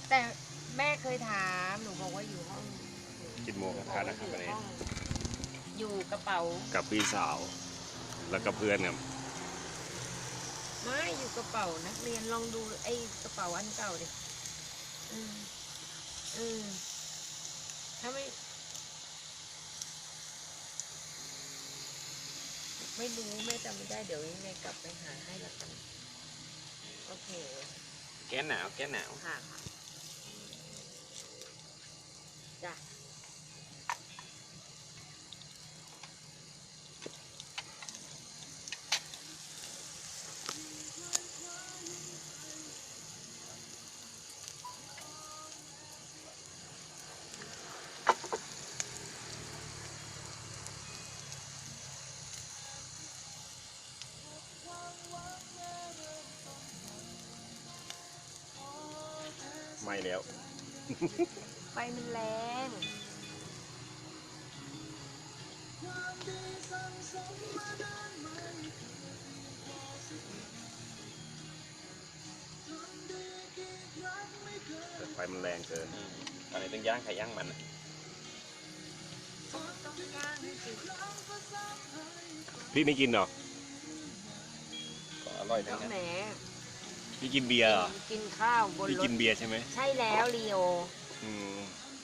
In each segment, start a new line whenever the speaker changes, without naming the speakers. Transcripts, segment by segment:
แต่แม่เคยถามหนูบอกว่าอยู่ห้อง
กินหมูกระทะนะครับวันนี้
อยู่กระเป๋า
กับพี่สาว แล้วก็เพื่อนครับ
ไม่อยู่กระเป๋านักเรียนลองดูไอ้กระเป๋าอันเก่าดิถ้าไม่รู้แม่จำไม่ได้เดี๋ยวยังไงกลับไปหาให้ละกันโอเค
แก้หนาวแก้หนาว
ค่ะจ้ะ
ไม่แล้ว
ไฟมันแรง
แต่ไฟมันแรงเกิน
อะไรต้องย่างไข่ย่างมันอะ
ต้องย่างให้สุก
พี่ไม่กินเหรอ
ก็อร่อยทั้งนั้น
แหม
พี่กินเบียร์เหรอ
กินข้าวบน
พี่
ร
กิ
ถ
นเบียร์ใช่ไหม
ใช่แล้วลีโอ
อืม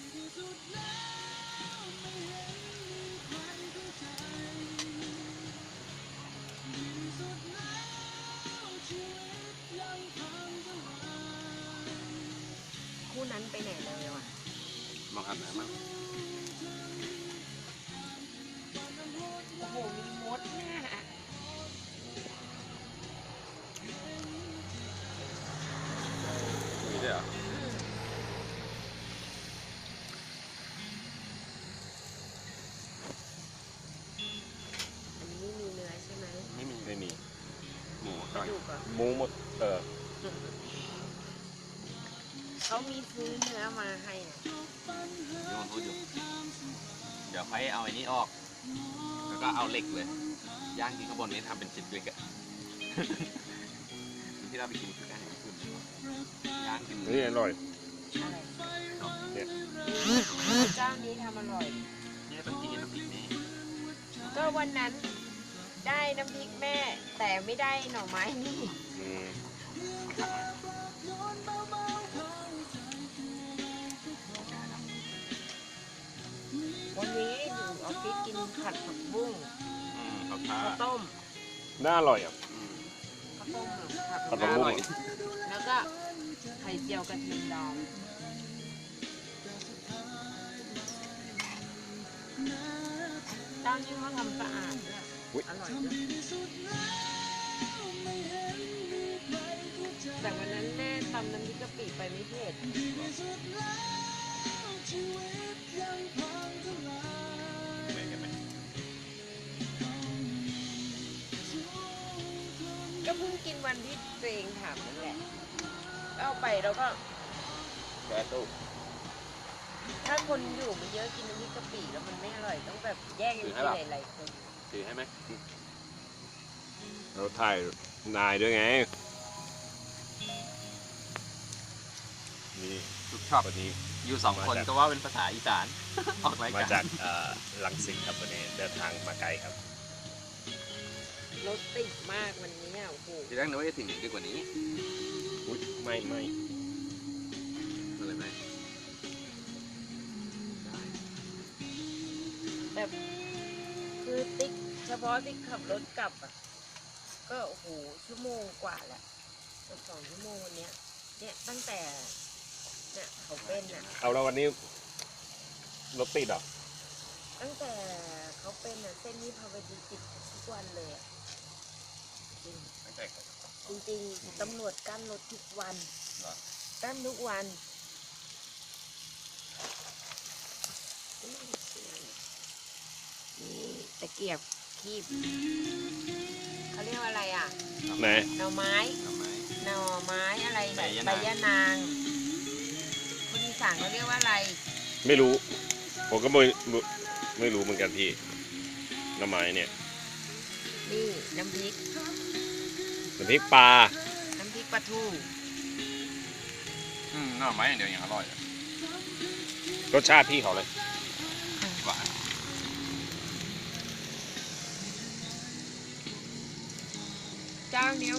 คู่นั้นไปไหนเลยวะ
มองหันหน้ามา
โอ้โหมีมดน่ะ
มีด้วยเหรอ
อันนี้ไม่มีเนื้อใช่ไหม
ไม่มี
ไม่มี
หมู
ก
ก่อ
ระ
น
ดูกเหรอ
หมูหมด
เขามีซื้อเนื้อมาให้นะ
ที่มันพูดอยู่เดี๋ยวค่อยเอาไอ้นี้ออก แล้วก็เอาเหล็กเลย ย่างที่ข้างบนนี้ทำเป็นชิ้นเล็กอะ ที่เราไปกินคือการญี่ปุ่นย่างกิน
นี่อร่อย
อะไร
เนี่ย
เจ้านี้ทำอร่อย
เนี่ยต้องกินน้ำพริกนี่
ก็วันนั้นได้น้ำพริกแม่ แต่ไม่ได้หน่อไม้นี่
อืม
วันนี้อยู่ออฟฟิศกินผัดผักบุ้ง
ข้าวผ้า
ข้าวต้ม
น่าอร่อยอ่ะ
ข้าวต้มผัด
ผั
ผั
ด
ก
ผักบุ้
บุ้
ง
งแล้วก็ไข่เจียวกระเทียมดองเจ้านี้เขาทำสะอาดด้วย
อุ๊ย
อร่อยด้วยแต่วันนั้นแม่ทำน้ำพริกกะปิไปไม่เผ็ด
ไม่กันไหม
ก็เพิ่งกินวันที่ตัวเองถามนั่นแหละเอาไปแล้วก็
แก้ตู้
ถ้าคนอยู่มันเยอะกินน้ำพริกกะปิแล้วมันไม่อร่อยต้องแบบแยกกันกินหลายๆคน
ถือให้ไหม
เราถ่ายนายด้วยไง นี่
ทุกช็อป
วันนี้
อยู่สองคนก็ว่าเป็นภาษาอีสาน ออกราย
มา
การ
จากลังสิตครับวันนี้เดินทางมาไกลครับ
รถติดมากวันนี้โอ้โห
ทีแรกนึกว่าจะถึงดีกว่านี้
อุ๊ยไม่
อะไรไหม
แบบคือติ๊กเฉพาะที่ขับรถกลับอ่ะก็โอ้โหชั่วโมงกว่าแหละเกือบ2 ชั่วโมงวันเนี้ยเนี่ยตั้งแต่เนี่ยเขาเป็นอ่ะ
เอาแล้ววันนี้รถติดเหรอ
ตั้งแต่เขาเป็นอ่ะเส้นนี้พาวดีติดทุกวันเลยอ่ะจริง
ไม่ใช่ครับ
จริงๆตำรวจกั้นรถทุกวัน
เหรอ
กั้นทุกวันนี่ตะเกียบคีบเขาเรียกว่าอะไรอ่ะ
ไหน
หน่อไม้
ทำไม
หน่อไม้อะไร
ใบ
เนี่ย
ยะนาง
ใบยะนางคนอีสานเขาเรียกว่าอะไร
ไม่รู้ ผมก็ไม่รู้เหมือนกันพี่น้ำไม้เนี่ย
นี่น้ำพริก
น้ำพริกปลา
น้ำพริกปลาทู
หน่อไม้อย่างเดียวยังอร่อยเลย
รสชาติพี่เขาเลย
กว่า
เจ้าเนี้ย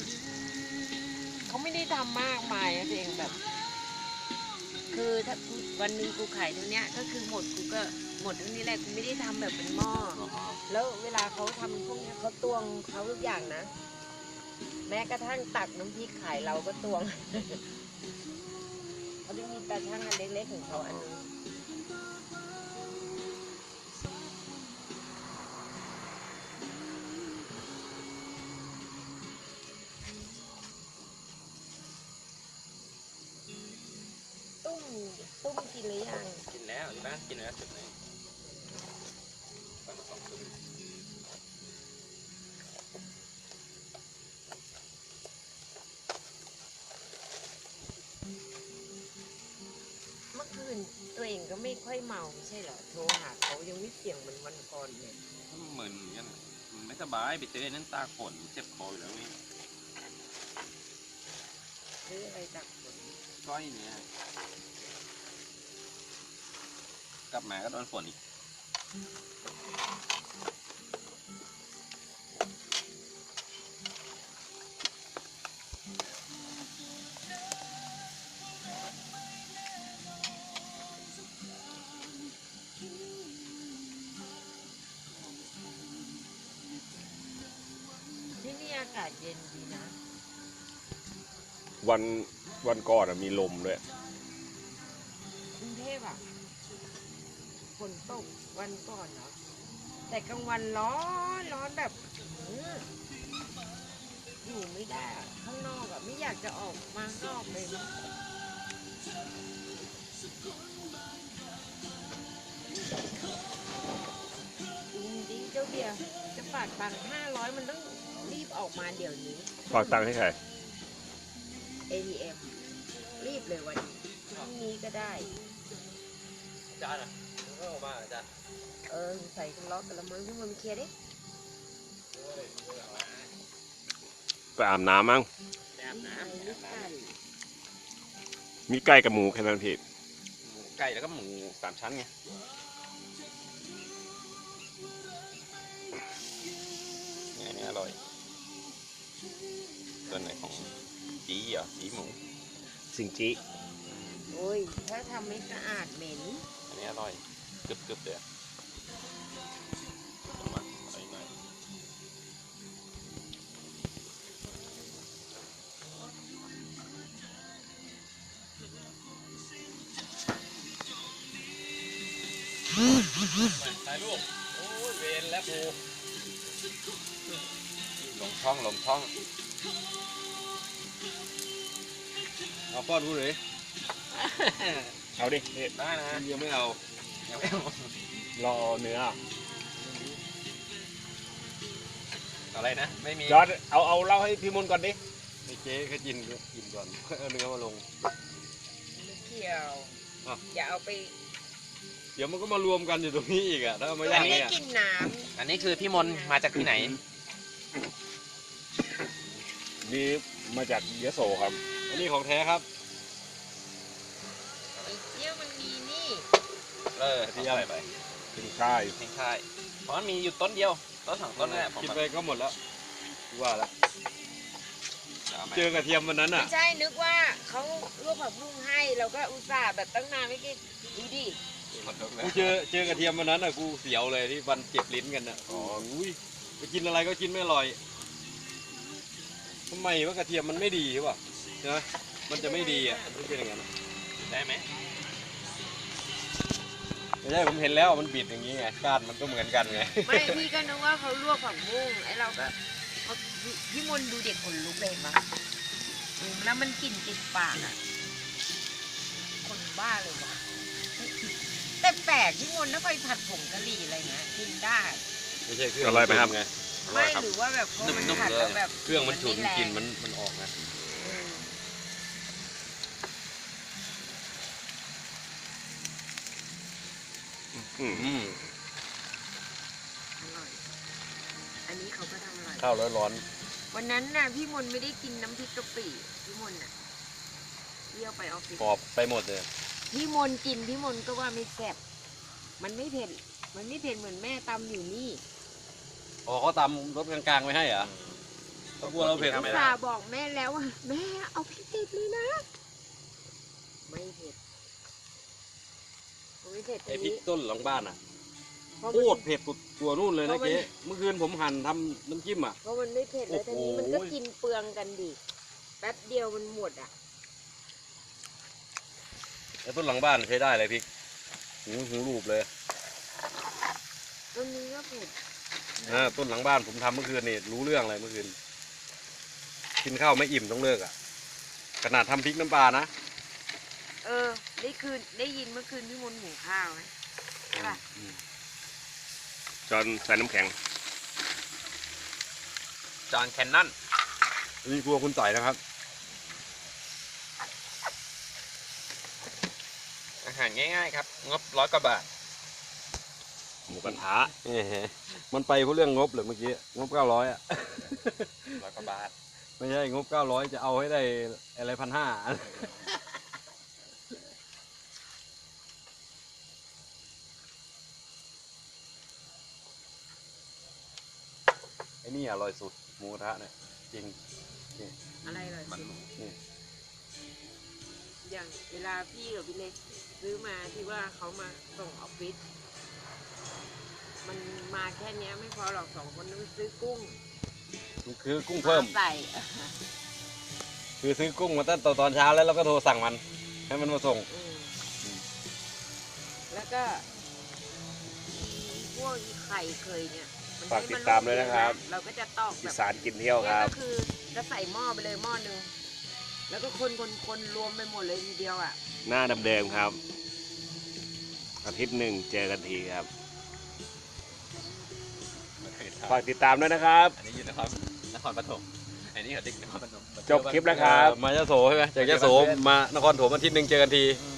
เขาไม่ได้ทำมากมายนะตัวเองแบบ คือถ้าวันหนึงกูขายเท่าเนี้ยก็คือหมดกูก็หมดเท่านี้แหละกูไม่ได้ทำแบบเป็นหม้อ แล้วเวลาเขาทำพวกเนี้ยเขาตวงเขาทุกอย่างนะ แม้กระทั่งตักน้ำพริกขายเราก็ตวง เขาจะมีตาช่างอันเล็กๆของเขาอันนึงตุ้มกินหรือยัง
กินแล้วที่บ้านกินแล้วจุดไหนวันละ2 ทุ่ม
เมื่อคืนตัวเองก็ไม่ค่อยเมาไม่ใช่เหรอโทรหาเขายังไม่เสียงเหมือนวันก่อนเลย
เหมือนกันมันไม่สบายไปเจอนั่นตาฝนเจ็บคออยู่แล้วนี่
หรืออะไรจากฝน
ก้อยเนี่ยกลับมาก็โดนฝนอีก
ที่นี่อากาศเย็นดีนะ
วันก่อนอะมีลมด้วย
กรุงเทพอ่ะฝนตกวันก่อนเนาะแต่กลางวันร้อนแบบอยู่ไม่ได้อะข้างนอกอะไม่อยากจะออกมาข้างนอกเลยนะจริงๆเจ้าเบียร์จะฝากตังค์500มันต้องรีบออกมาเดี๋ยวนี้
ฝากตังค์ให้ใคร
ATM รีบเลยวันนี้พรุ่งนี้ก็ได้
จานอ่ะก็ออกมาจาน
ใส่กันล็อกกันละมั้งที่มันเคลียร์ดิ
ไปอาบน้ำมั้ง
แอบน้
ไอ้ลูกไก่
มีไก่กับหมูแค่นั้นพี่
ำหมูไก่แล้วก็หมู3 ชั้นไงเนี่ยนี่อร่อยตัวไหนของจีเหรอจีหมู
สิงจิ
โอ้ยถ้าทำไม่สะอาดเหม็น
อันนี้อร่อยกรึบๆเลยอะเอามาใส่หน่อยถ่ายรูปโอ้ยเวรแล้วกูลงช่องเอาป้อนกูเลย
เอาดิพี่
ได้นะยังไม่เอายังไม่เอา
รอเนื้อ
อะไรนะไม่มี
ยอดเอาเล่าให้พี่มนต์ก่อนดิ
ไอ้เจ๊แค่กินก่อนเอาเนื้อมาลง
ไม่เกี่ยว
อ่ะ
อย่าเอาไป
เดี๋ยวมันก็มารวมกันอยู่ตรงนี้อีกอ่ะถ้าเอา
ตั
มาว ย่าง
นี้
นี้
กินน้
อันนี้คือพี่มนมาจากที่ไหน
นี่มาจากยโสครับ
อันนี้ของแท้ครับ
ำไอ้เจี้ยวมันมีนี่
ที่อะไรไป
เป็นค่าย
ทิ้งค่ายเพราะมันมีอยู่ต้นเดียวต้น2 ต้นนั่นแหละผม
กินไปก็หมดแล้วว่าแล้ว
เอามา
เจอกระเทียมวันนั้น
ไม่
อ่ะ
ใช่นึกว่าเขาลวกผักบุ้งให้เราก็อุตส่าห์แบบตั้งนานไม่กินดูดิ
ขอโทษนะ
กูเจอกระเทียมวันนั้นอ่ะกูเสียวเลยที่วันเจ็บลิ้นกันอ่ะอ๋ออุ้ยไปกินอะไรก็กินไม่อร่อยทำไมว่ากระเทียมมันไม่ดีหรือเปล่าใช่ไหมมันจะไม่ดีอ่ะมันเป็นอย่างนั้นอะ
ได้ไหม
ไม่ใช่ผมเห็นแล้วมันบิดอย่างนี้ไงก้านมันก็เหมือนกันไง
ไม่พี่ก็นึกว่าเขาลวกผักบุ้งไอ้เราก็เขาพี่มนต์ดูเด็กขนลุกเลยเห็นปะแล้วมันกลิ่นติดปากอ่ะคนบ้าเลยวะแต่แปลกพี่มนต์ถ้าไปผัดผงกะหรี่อะไรเงี้ยกินได้
ไม่ใช่เครื่อง
อร่อยไหมครับ
ไง
ไม่หรือว่าแบบพอมันผัดแล้วแบบ
เครื่องมันฉุน
ไแรง
กลิ่นมันออกไง
อืม
อืม
อืม
อร่อยอันนี้เขาก็ทำอร่อย
ข้าวร้อน
วันนั้นน่ะพี่มนต์ไม่ได้กินน้ำพริกกะปิพี่มนต์น่ะรี้ยวไปออฟฟิศ
กรอบไปหมดเลย
พี่มนกินพี่มนก็ว่าไม่แซ่บมันไม่เผ็ดมันไม่เผ็ดเหมือนแม่ตำอยู่นี่
อ๋อเขาตำรสกลางๆไว้ให้เหรอเขากลัวเราเผ็ด
อุ
ไม่
ต
ได้
ส่าห์บอกแม่แล้วว่าแม่เอาพริกติดเลยนะไม่เผ็ดไม่เผ็ด
ไอพริกต้นหลังบ้านอ่ะ
เพราะ
โค
มัน
ตรเผ็ดกว่านู่นเลยนะเจ๊เมื่อคืนผมหั่นทำน้ำจิ้มอ่ะ
เพราะมันไม่เผ็ดแล้ว
โอ้
ที
โห
นี้มันก็กินเปลืองกันดิแป๊บเดียวมันหมดอ่ะ
ไอ้ต้นหลังบ้านใช้ได้เลยพริกหูรูปเลย
ต้นนี้ก็เผ็ด
ต้นหลังบ้านผมทำเมื่อคืนนี่รู้เรื่องเลยเมื่อคืนกินข้าวไม่อิ่มต้องเลิกอ่ะขนาดทำพริกน้ำปลานะ
ได้ยินเมื่อคืนพี่มนต์หุงข้าวไหมใช่ป่ะ
จอนใส่น้ำแข็ง
จอห์นแคนนอน
นี่ครัวคุณต่อยนะครับ
อาหารง่ายๆครับงบ100 กว่าบาท
หมูกระทะ
มันไปเพราะเรื่องงบเหรอเมื่อกี้งบ900อ่ะ
100 กว่าบาท
ไม่ใช่งบ900จะเอาให้ได้อะไร1,500ไอ้นี่อร่อยสุดหมูกระทะเนี่ยจริง
อะไรเลย
มัน
นี่
อย่างเวลาพี่กับพี่เล็กซื้อมาที่ว่าเขามาส่งออฟฟิศมันมาแค่เนี้ยไม่พอหรอก2 คนต้องซื้อกุ้ง
คือกุ้งเพิ่ม
ใส่
คือซื้อกุ้งมาตั้งแต่ตอนเช้าแล้วเราก็โทรสั่งมันให้มันมาส่ง
แล้วก็พวกไข่เคยเนี่ยมัน
ฝากติดตามด้วยนะครับ
เราก็จะตอกแบ
อี
บ
สานกินเที่ยวครับ
ก็คือจะใส่หม้อไปเลยหม้อหนึ่งแล้วก็คนรวมไปหมดเลยทีเดียวอ่ะ
หน้าเดิมๆครับ อาทิตย์หนึ่งเจอกันทีครับ ฝากติดตามด้วยนะครับ
อันนี้อยู่นครปฐมอันนี้เขาเด็กนครปฐม
จบคลิปแล้วครับ
มายะโสใช่ไหมจากยะโสมานครปฐมอาทิตย์หนึ่งเจอกันที
อืม